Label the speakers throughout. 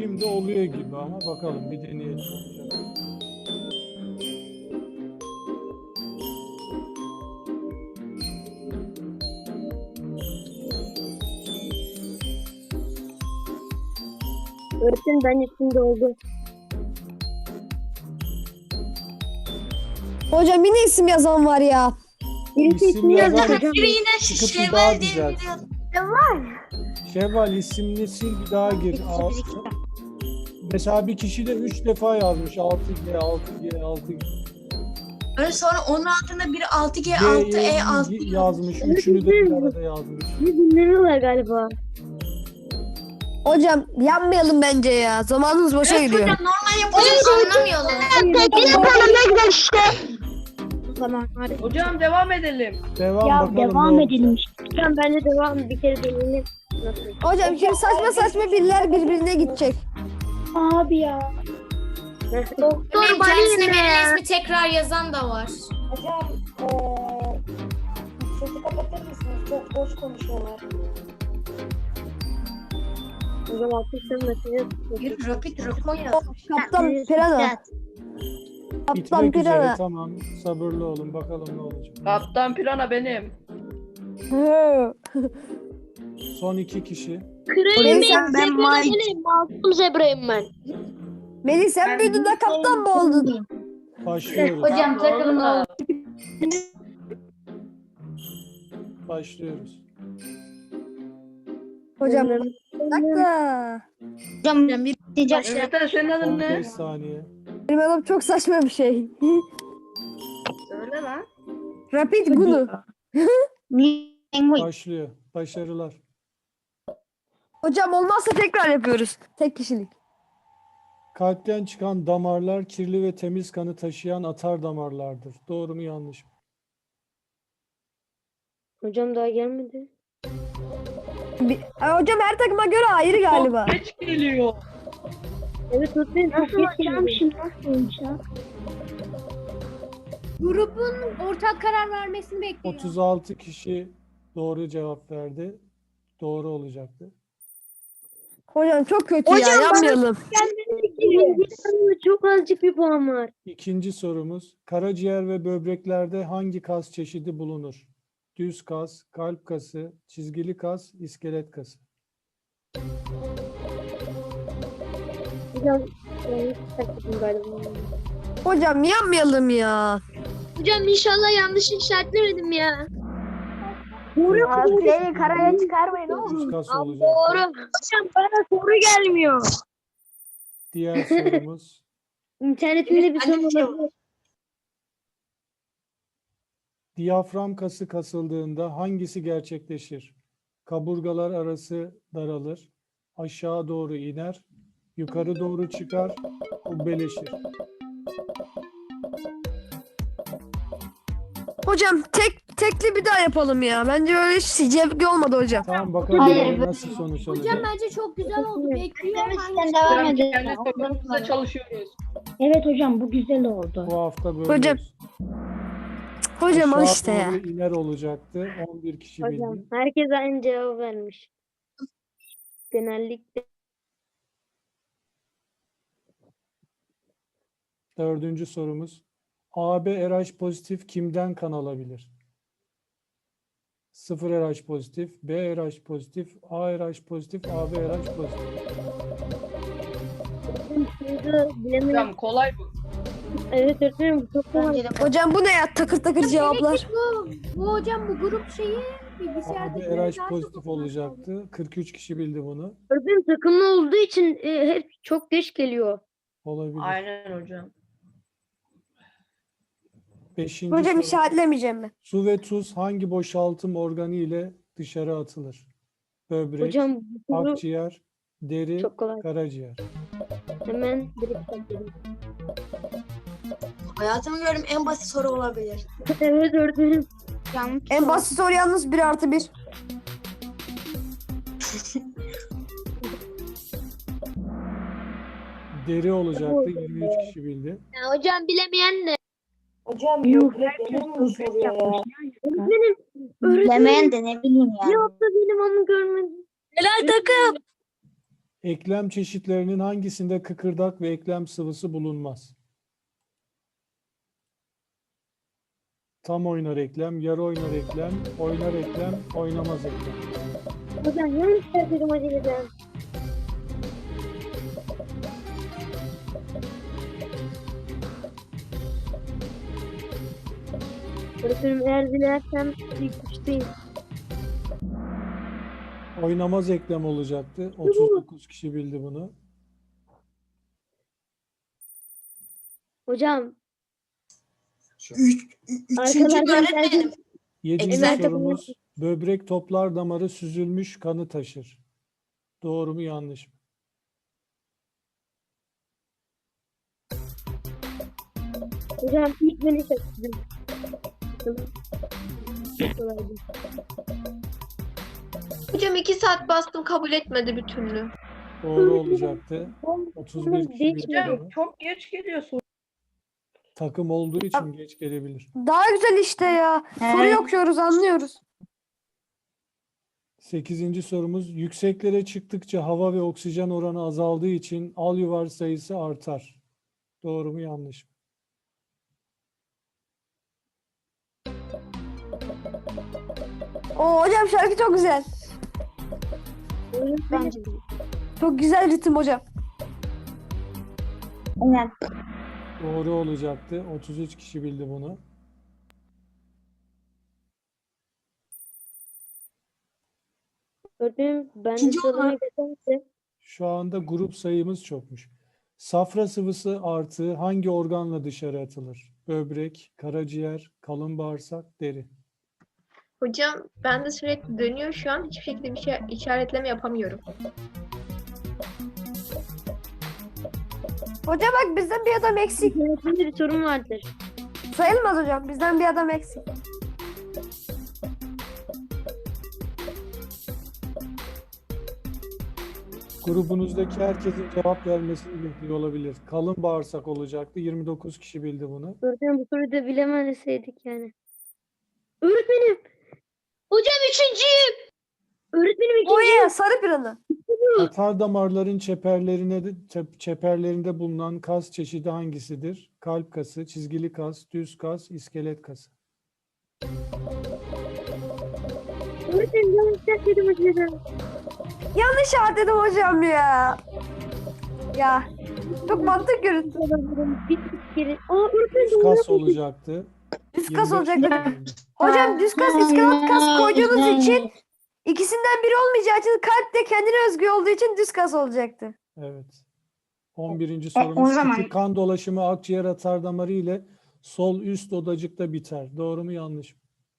Speaker 1: Şimdi oluyor gibi ama bakalım bir deneyelim.
Speaker 2: Öğretmenim ben şimdi oldu.
Speaker 3: Hocam yine isim yazan var ya.
Speaker 2: Birisi
Speaker 1: İsim
Speaker 2: ismini
Speaker 1: yazar.
Speaker 2: yazacak hocam.
Speaker 4: Biri yine
Speaker 1: Çıkıp bir
Speaker 4: Şevval
Speaker 1: daha
Speaker 4: diye
Speaker 1: düzelt.
Speaker 4: biri yazdı.
Speaker 1: Şevval ismini sil bir daha gir. Mesela bir kişi de 3 defa yazmış. 6G, 6G, 6G.
Speaker 4: Öyle sonra onun altında biri 6G,
Speaker 1: G,
Speaker 4: 6E, 6
Speaker 1: yazmış. Üçünü de bir arada yazmış.
Speaker 2: Bir dinlemiyorlar galiba.
Speaker 3: Hocam yanmayalım bence ya. Zamanımız boşa
Speaker 4: Evet
Speaker 3: gidiyor.
Speaker 4: hocam normal yapacağız anlamıyorlar.
Speaker 2: Tamam hadi.
Speaker 5: Hocam devam edelim.
Speaker 1: Devam
Speaker 2: Ya
Speaker 1: bakalım.
Speaker 2: devam
Speaker 1: ne
Speaker 2: edelim
Speaker 1: olacak.
Speaker 2: işte. Hocam bence devam bir kere deneyelim. Nasıl?
Speaker 3: Hocam şimdi saçma saçma biriler birbirine gidecek.
Speaker 2: Abi ya. Doktor
Speaker 4: Benim kendisine verilen ismi tekrar yazan da var.
Speaker 6: Hocam, sesi kapatır mısınız? Çok boş konuşuyorlar.
Speaker 2: Hocam atmışsın mesajı.
Speaker 4: Bir rapid rapor yaz.
Speaker 3: Kaptan Pirana. Kaptan
Speaker 1: Bitmek üzere,
Speaker 3: Pirana.
Speaker 1: tamam. Sabırlı olun bakalım ne olacak.
Speaker 5: Kaptan Pirana benim.
Speaker 3: Hı.
Speaker 1: Son 2 kişi.
Speaker 3: Melih sen,
Speaker 2: Masum zebrayım ben.
Speaker 3: Melih sen büyüdün de kaptan mı oldun?
Speaker 1: Başlıyoruz.
Speaker 4: Hocam takılma.
Speaker 1: Başlıyoruz.
Speaker 3: Hocam dakika.
Speaker 4: Hocam bir
Speaker 5: Yeter senin adın
Speaker 1: 15
Speaker 5: ne?
Speaker 1: saniye.
Speaker 3: Benim adam çok saçma bir şey.
Speaker 5: Söyle lan.
Speaker 3: Rapid Gunu.
Speaker 1: Başlıyor. Başarılar.
Speaker 3: Hocam olmazsa tekrar yapıyoruz. Tek kişilik.
Speaker 1: Kalpten çıkan damarlar kirli ve temiz kanı taşıyan atar damarlardır. Doğru mu yanlış mı?
Speaker 2: Hocam daha gelmedi.
Speaker 3: Hocam her takıma göre ayrı galiba.
Speaker 5: Çok geç geliyor.
Speaker 2: Evet öğretmenim çok geç gelmişim.
Speaker 7: Grubun ortak karar vermesini bekliyor.
Speaker 1: 36 kişi doğru cevap verdi. Doğru olacaktı.
Speaker 3: Hocam çok kötü ya yanmayalım.
Speaker 2: Çok azıcık bir puan var.
Speaker 1: İkinci sorumuz. Karaciğer ve böbreklerde hangi kas çeşidi bulunur? Düz kas, kalp kası, çizgili kas, iskelet kası.
Speaker 2: Hocam yanlış takıldım galiba.
Speaker 3: Hocam yanmayalım ya.
Speaker 2: Hocam inşallah yanlış işaretlemedim ya.
Speaker 6: Seni karaya çıkarmayın
Speaker 1: Düz kas
Speaker 2: Doğru.
Speaker 1: olacaktı.
Speaker 2: Hocam bana soru gelmiyor.
Speaker 1: Diğer sorumuz.
Speaker 2: İnternetimde bir sorun olabilir.
Speaker 1: Diyafram kası kasıldığında hangisi gerçekleşir? Kaburgalar arası daralır, aşağı doğru iner, yukarı doğru çıkar, kubbeleşir.
Speaker 3: Hocam tekli bir daha yapalım ya. Bence böyle zevkli olmadı hocam.
Speaker 1: Tamam bakalım
Speaker 6: Hayır,
Speaker 1: nasıl sonuç
Speaker 7: Hocam
Speaker 1: olacak.
Speaker 7: bence çok güzel oldu. Bekliyorum.
Speaker 6: Sen devam
Speaker 5: Hocam
Speaker 6: edin.
Speaker 5: kendi takımımızda çalışıyoruz.
Speaker 6: Evet hocam bu güzel oldu.
Speaker 1: Bu hafta böyle.
Speaker 3: Hocam, Hocam al
Speaker 1: Aşağı
Speaker 3: işte ya.
Speaker 1: doğru iner olacaktı. 11 kişi
Speaker 2: Hocam
Speaker 1: bildi.
Speaker 2: herkes aynı cevabı vermiş. Genellikle.
Speaker 1: Dördüncü sorumuz. AB RH pozitif kimden kan alabilir? 0 RH pozitif, B RH pozitif, A RH pozitif, AB RH pozitif.
Speaker 2: Şurada bilemedim.
Speaker 5: Hocam kolay bu.
Speaker 2: Evet öğretmenim bu çok kolay.
Speaker 3: Hocam bu ne ya? Takır takır cevaplar.
Speaker 7: Bu hocam bu grup şeyi bilgisayarda
Speaker 1: AB RH pozitif olacaktı. 43 kişi bildi bunu.
Speaker 2: Öğretmenim takımlı olduğu için hep çok geç geliyor.
Speaker 1: Olabilir.
Speaker 5: Aynen hocam.
Speaker 1: Beşinci
Speaker 3: Hocam
Speaker 1: soru.
Speaker 3: işaretlemeyeceğim ben.
Speaker 1: Su ve tuz hangi boşaltım organı ile dışarı atılır? Böbrek,
Speaker 2: Hocam bu soru
Speaker 1: akciğer, deri,
Speaker 2: çok kolay.
Speaker 1: karaciğer.
Speaker 2: Hemen direkt bakıyorum.
Speaker 4: Hayatımda gördüğüm en basit soru olabilir.
Speaker 2: Evet öğretmenim.
Speaker 3: En basit soru yalnız 1+1.
Speaker 1: Deri olacaktı. 23 kişi bildi.
Speaker 2: Ya, hocam bilemeyen de.
Speaker 6: Hocam böbrekleri mi soruyor ya?
Speaker 2: Öğretmenim.
Speaker 6: Bilemeyen de ne bileyim yani.
Speaker 2: Bir hafta benim onu görmedim.
Speaker 4: Helal takım.
Speaker 1: Eklem çeşitlerinin hangisinde kıkırdak ve eklem sıvısı bulunmaz? Tam oynar eklem, yarı oynar eklem, oynar eklem, oynamaz eklem.
Speaker 2: Hocam yanlış söyledim hocam. Öğretmenim eğer dilersem ilk üçteyim.
Speaker 1: Oynamaz eklem olacaktı. 39 kişi bildi bunu.
Speaker 2: Hocam
Speaker 4: Üçüncü
Speaker 2: Arkalardan
Speaker 4: öğretmenim.
Speaker 1: 7.
Speaker 4: Eklem-
Speaker 1: sorumuz. Böbrek toplar damarı süzülmüş kanı taşır. Doğru mu yanlış mı?
Speaker 2: hocam ilk beni seçtim.
Speaker 8: Hocam 2 saat bastım kabul etmedi bir türlü.
Speaker 1: Doğru olacaktı. 31 kişi bildi
Speaker 5: Hocam
Speaker 1: bunu.
Speaker 5: çok geç geliyorsun.
Speaker 1: Takım olduğu için geç gelebilir.
Speaker 3: Daha güzel işte ya. Soruyu okuyoruz, anlıyoruz.
Speaker 1: 8. sorumuz. Yükseklere çıktıkça hava ve oksijen oranı azaldığı için alüvar sayısı artar. Doğru mu yanlış mı?
Speaker 3: Oo hocam şarkı çok güzel.
Speaker 2: Bence de.
Speaker 3: Çok güzel ritim hocam.
Speaker 6: Aynen.
Speaker 1: Doğru olacaktı. 33 kişi bildi bunu.
Speaker 2: Öğretmenim ben de
Speaker 4: İkinci
Speaker 2: sıralamayı desem
Speaker 1: Şu anda grup sayımız çokmuş. Safra sıvısı artığı hangi organla dışarı atılır? Böbrek, karaciğer, kalın bağırsak, deri.
Speaker 8: Hocam ben de sürekli dönüyor şu an. Hiçbir şekilde bir şey işaretleme yapamıyorum.
Speaker 3: Hocam bak bizden bir adam eksik.
Speaker 2: öğretmenim bir sorun vardır.
Speaker 3: Sayılmaz hocam. Bizden bir adam eksik.
Speaker 1: Grubunuzdaki herkesin cevap vermesini bekliyor olabilir. Kalın bağırsak olacaktı. 29 kişi bildi bunu.
Speaker 2: Öğretmenim bu soruyu da bilemezseydik yani. Öğretmenim. Hocam üçüncüyüm. Öğretmenim ikinciyim.
Speaker 3: Oya sarı planı.
Speaker 1: Atar damarların çeperlerinde bulunan kas çeşidi hangisidir? Kalp kası, çizgili kas, düz kas, iskelet kası.
Speaker 2: Öğretmenim yanlış söyledim hocam.
Speaker 3: Yanlış işaretledim hocam ya. Ya. Çok mantık yürüttü.
Speaker 2: Bir kere. Aa öğretmenim
Speaker 1: Düz kas olacaktı.
Speaker 3: Düz kas
Speaker 1: 25
Speaker 3: olacaktı.
Speaker 1: kişi bildi.
Speaker 3: Hocam düz kas, iskelet kas koyduğunuz için ikisinden biri olmayacağı için kalp de kendine özgü olduğu için düz kas olacaktı.
Speaker 1: Evet. 11. sorumuz.
Speaker 4: o zaman-
Speaker 1: Küçük kan dolaşımı akciğer atar damarı ile sol üst odacıkta biter. Doğru mu yanlış mı?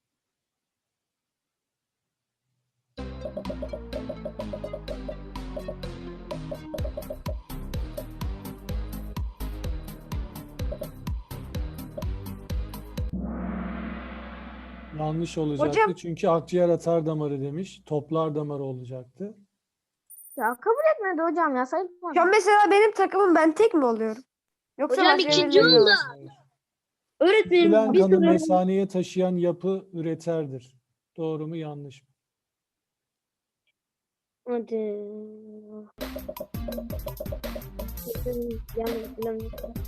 Speaker 1: Yanlış olacaktı.
Speaker 3: Hocam-
Speaker 1: Çünkü akciğer atar damarı demiş. Toplar damarı olacaktı.
Speaker 6: Ya kabul etmedi hocam ya sayılmaz.
Speaker 3: Şu an mesela benim takımım ben tek mi oluyorum? Yoksa
Speaker 2: Hocam
Speaker 3: başka
Speaker 2: ikinci
Speaker 3: birileri mi
Speaker 2: oldu.
Speaker 3: var?
Speaker 1: Hayır.
Speaker 2: Öğretmenim
Speaker 1: Süzülen
Speaker 2: bir
Speaker 1: kanı
Speaker 2: soru.
Speaker 1: mesaneye taşıyan yapı üreterdir. Doğru mu yanlış mı?
Speaker 2: Hadi. Yanlış.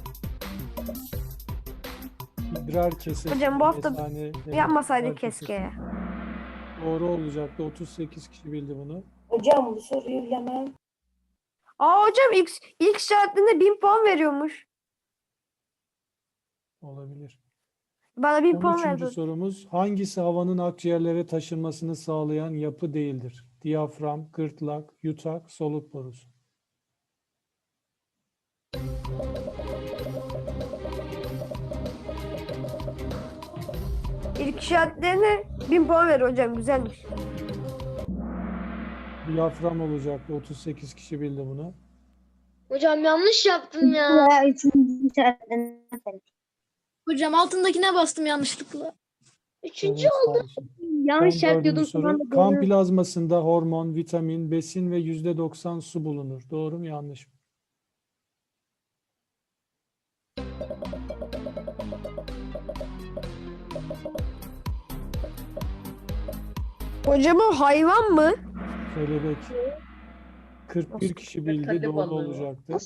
Speaker 1: İdrar kesesi.
Speaker 3: Hocam bu hafta
Speaker 1: mesane demek.
Speaker 3: Yapmasaydık
Speaker 1: İdrar kesesi.
Speaker 3: keşke ya.
Speaker 1: Doğru olacaktı. 38 kişi bildi bunu.
Speaker 6: Hocam bu soruyu bilemem.
Speaker 3: Aa hocam ilk işaretinde 1000 puan veriyormuş.
Speaker 1: Olabilir.
Speaker 3: Bana 1000 puan
Speaker 1: 13.
Speaker 3: verdi.
Speaker 1: sorumuz. Hangisi havanın akciğerlere taşınmasını sağlayan yapı değildir? Diyafram, gırtlak, yutak, soluk borusu.
Speaker 3: İlk işaretlerine 1000 puan veriyor hocam. Güzelmiş.
Speaker 1: Diyafram olacaktı. 38 kişi bildi bunu.
Speaker 2: Hocam yanlış yaptım ya.
Speaker 6: Ya üçüncü işaretten.
Speaker 7: Hocam altındakine bastım yanlışlıkla.
Speaker 2: Üçüncü
Speaker 1: Evet, sağ olsun.
Speaker 2: yanlış
Speaker 1: Son
Speaker 2: işaretliyordum.
Speaker 1: dördüncü soru.
Speaker 2: Sonra da
Speaker 1: Kan
Speaker 2: doğru.
Speaker 1: plazmasında hormon, vitamin, besin ve %90 su bulunur. Doğru mu yanlış mı?
Speaker 3: Hocam o hayvan mı?
Speaker 1: Kelebek. 41 kişi bildi.
Speaker 5: Hadi
Speaker 1: Doğru
Speaker 5: balığı.
Speaker 1: olacaktı.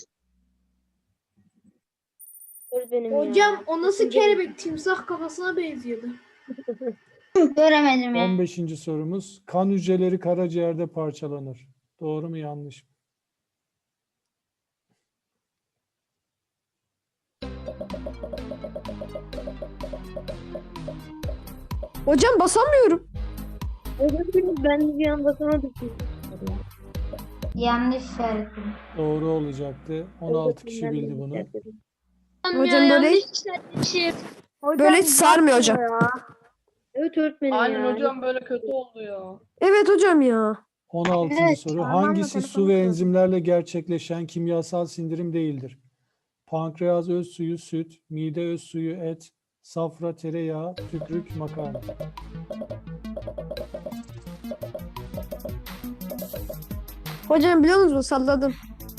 Speaker 2: Öğretmenim
Speaker 7: Hocam o nasıl kelebek? Timsah kafasına benziyordu.
Speaker 6: Göremedim ya.
Speaker 1: 15. sorumuz. Kan hücreleri karaciğerde parçalanır. Doğru mu yanlış mı?
Speaker 3: Hocam basamıyorum.
Speaker 2: Öğretmenim ben bir an basamadım.
Speaker 6: Yanlış işaretim.
Speaker 1: Doğru olacaktı. 16 kişi bildi bunu.
Speaker 3: Hocam böyle hiç sarmıyor hocam.
Speaker 2: Evet öğretmenim
Speaker 5: Aynen
Speaker 2: ya.
Speaker 5: hocam böyle kötü oldu ya.
Speaker 3: Evet hocam ya.
Speaker 1: 16.
Speaker 6: Evet,
Speaker 1: soru.
Speaker 6: parmağımla
Speaker 1: Hangisi
Speaker 6: telefonu
Speaker 1: su ve
Speaker 6: tutuyorum.
Speaker 1: enzimlerle gerçekleşen kimyasal sindirim değildir? Pankreas öz suyu süt, mide öz suyu et, safra tereyağı, tükürük makarna.
Speaker 3: Hocam biliyor musunuz? Salladım.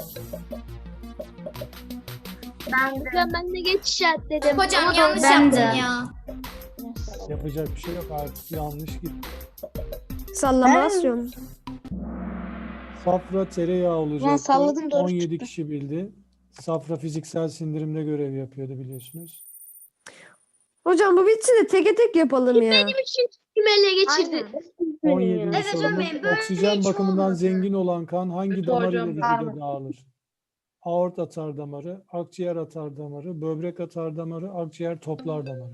Speaker 6: Hocam ben de geç işaretledim.
Speaker 7: Hocam yanlış
Speaker 6: Ben
Speaker 7: yaptın
Speaker 6: de.
Speaker 7: ya.
Speaker 1: Yapacak bir şey yok, artık yanlış gitti.
Speaker 3: Sallama asıyorum.
Speaker 1: Safra tereyağı olacaktı.
Speaker 4: salladım, doğru
Speaker 1: 17
Speaker 4: çıktı.
Speaker 1: kişi bildi. Safra fiziksel sindirimde görev yapıyordu biliyorsunuz.
Speaker 3: Hocam bu bitsin de teke tek yapalım ya.
Speaker 6: Kim ele geçirdi?
Speaker 1: 17.
Speaker 6: Evet,
Speaker 1: sorumuz.
Speaker 6: hocam, böyle
Speaker 1: Oksijen
Speaker 6: hiç
Speaker 1: bakımından
Speaker 6: olmadı.
Speaker 1: zengin olan kan hangi
Speaker 5: Kötü
Speaker 1: damar
Speaker 5: hocam.
Speaker 1: ile vücuda dağılır? Aort atar damarı, akciğer atar damarı, böbrek atar damarı, akciğer toplar damarı.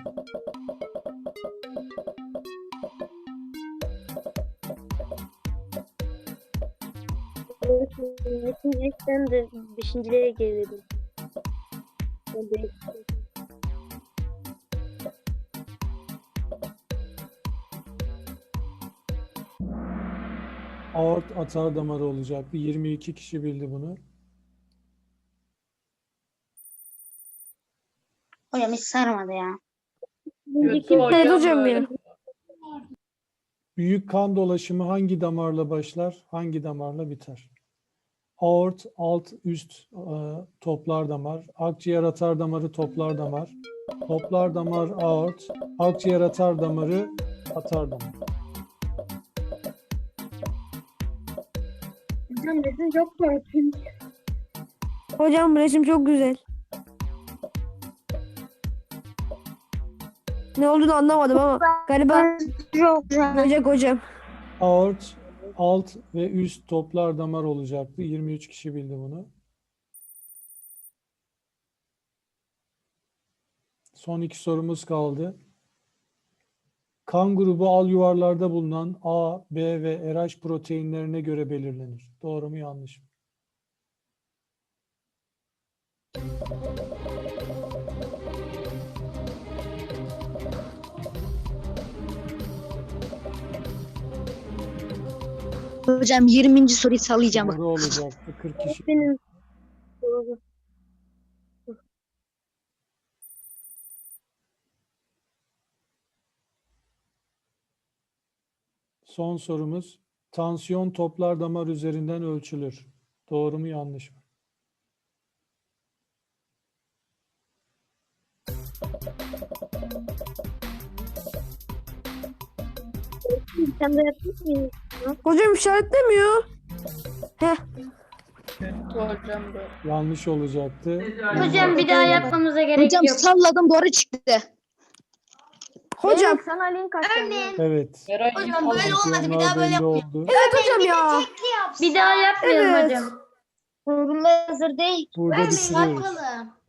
Speaker 2: Öğretmenim de 5.liğe gelelim.
Speaker 1: Aort atar damarı olacaktı. 22 kişi bildi bunu.
Speaker 6: Hocam hiç sarmadı ya.
Speaker 5: Kötü
Speaker 3: Evet hocam
Speaker 5: böyle.
Speaker 3: ya.
Speaker 1: Büyük kan dolaşımı hangi damarla başlar, hangi damarla biter? Aort, alt, üst toplar damar, akciğer atar damarı toplar damar, toplar damar aort, akciğer atar damarı atar damar.
Speaker 2: Hocam resim çok korkunç.
Speaker 3: Hocam bu resim çok güzel. Ne olduğunu anlamadım ama galiba
Speaker 6: Çok güzel.
Speaker 3: böcek hocam.
Speaker 1: Aort, alt ve üst toplar damar olacaktı. 23 kişi bildi bunu. Son iki sorumuz kaldı. Kan grubu al yuvarlarda bulunan A, B ve RH proteinlerine göre belirlenir. Doğru mu yanlış mı?
Speaker 4: Hocam 20. soruyu sallayacağım.
Speaker 1: Doğru olacaktı. 40 kişi.
Speaker 2: Benim doğru.
Speaker 1: Son sorumuz. Tansiyon toplar damar üzerinden ölçülür. Doğru mu yanlış mı?
Speaker 2: Sen de yaptın mı?
Speaker 3: Hocam işaretlemiyor.
Speaker 5: Kötü hocam böyle.
Speaker 1: Yanlış olacaktı.
Speaker 6: Hocam bir daha yapmamıza gerek
Speaker 4: Hocam
Speaker 6: yok.
Speaker 4: salladım, doğru çıktı.
Speaker 3: Hocam.
Speaker 6: Sana link atacağım.
Speaker 1: Evet.
Speaker 5: Eray iyi
Speaker 8: Hocam böyle
Speaker 5: sallıyor.
Speaker 8: olmadı, bir daha böyle
Speaker 1: Belli
Speaker 8: yapmayalım.
Speaker 1: oldu.
Speaker 3: Evet hocam ya.
Speaker 6: Bir daha yapmayalım
Speaker 3: Evet.
Speaker 6: hocam. Sorular hazır değil.
Speaker 1: Burada bitiriyoruz.
Speaker 8: Bakalım.